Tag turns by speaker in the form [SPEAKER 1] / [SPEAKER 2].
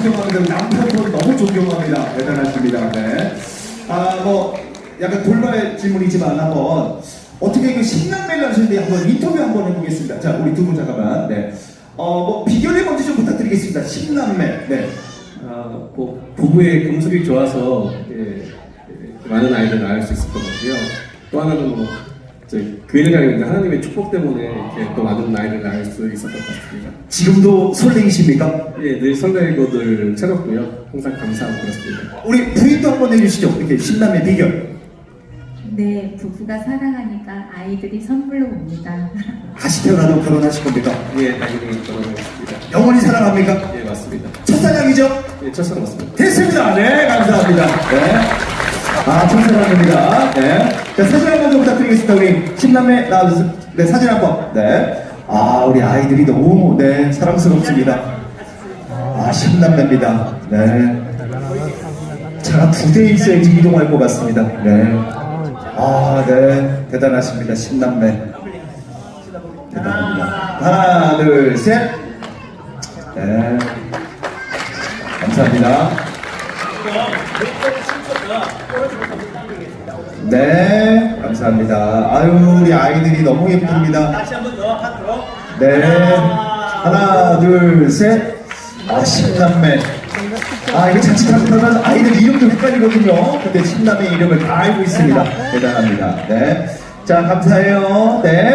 [SPEAKER 1] 존경합니다. 남편분 너무 존경합니다. 대단하십니다. 네. 뭐 약간 돌발 질문이지만 한번 어떻게 그 신남매를 하시는데 한번 인터뷰 한번 해보겠습니다. 자, 우리 두 분 잠깐만. 네. 뭐 비결을 먼저 좀 부탁드리겠습니다. 신남매. 네.
[SPEAKER 2] 뭐 부부의 금속이 좋아서 많은 아이들을 낳을 수 있을 것 같고요. 또 하나는 뭐 교회를 다니는데 하나님의 축복 때문에 이렇게 또 많은 아이를 낳을 수 있었던 것 같습니다.
[SPEAKER 1] 지금도 설레이십니까?
[SPEAKER 2] 예, 늘 설레고 늘 새롭고요. 항상 감사하고 그렇습니다.
[SPEAKER 1] 우리 부인도 한번 해주시죠. 이렇게 신남매 비결.
[SPEAKER 3] 네, 부부가 사랑하니까 아이들이 선물로 옵니다.
[SPEAKER 1] 다시 태어나도 결혼하실 겁니까?
[SPEAKER 2] 예, 당연히 결혼하겠습니다.
[SPEAKER 1] 영원히 사랑합니까?
[SPEAKER 2] 예, 맞습니다.
[SPEAKER 1] 첫사랑이죠?
[SPEAKER 2] 예, 첫사랑 맞습니다.
[SPEAKER 1] 됐습니다. 네, 감사합니다. 네. 첫사랑입니다. 네. 자, 사진 한 번 좀 부탁드리겠습니다. 우리 신남매 나와주세요. 네, 사진 한 번. 네. 우리 아이들이 너무, 네, 사랑스럽습니다. 신남매입니다. 네. 차가 2대 있어야지 이동할 것 같습니다. 네. 네. 대단하십니다. 신남매. 대단합니다. 하나, 둘, 셋. 네. 감사합니다. 네, 감사합니다. 우리 아이들이 너무 예쁩니다.
[SPEAKER 4] 다시 한 번 더 하트로.
[SPEAKER 1] 네. 하나, 둘, 셋. 신남매. 이거 자칫하면 아이들 이름도 헷갈리거든요. 근데 신남매 이름을 다 알고 있습니다. 대단합니다. 네. 자, 감사해요. 네.